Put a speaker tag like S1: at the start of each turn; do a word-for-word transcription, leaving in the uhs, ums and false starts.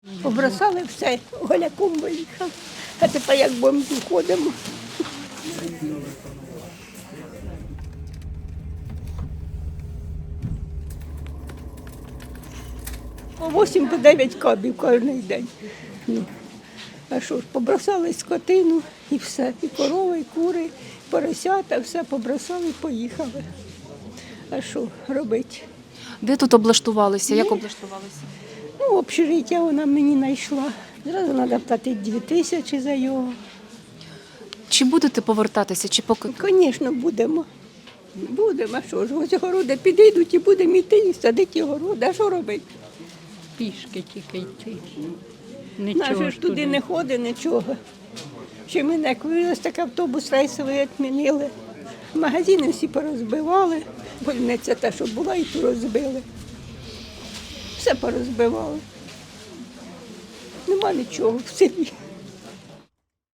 S1: Побросали все, голяком виїхав. А тепер як бомбі ходимо. По вісім, по дев'ять кабів кожен день. Ну, а що ж, побросали скотину і все. І корови, і кури, і поросята, все побросали і поїхали. А що робити?
S2: Де тут облаштувалися? Як
S1: Ні.
S2: облаштувалися?
S1: Ну, общежиття вона мені знайшла. Зразу треба платити дві тисячі за його.
S2: Чи будете повертатися, чи поки?
S1: Звісно, будемо. Будемо, а що ж, ось городи підійдуть і будемо йти і садити городи. А що робити?
S3: Пішки тільки йти.
S1: Наше
S3: Нічого
S1: ж туди не ходить, нічого. Ще ми як вивез, так автобус рейсовий відмінили. Магазини всі порозбивали. Больниця та, що була, і ту розбили. Все порозбивали. Нема нічого в селі.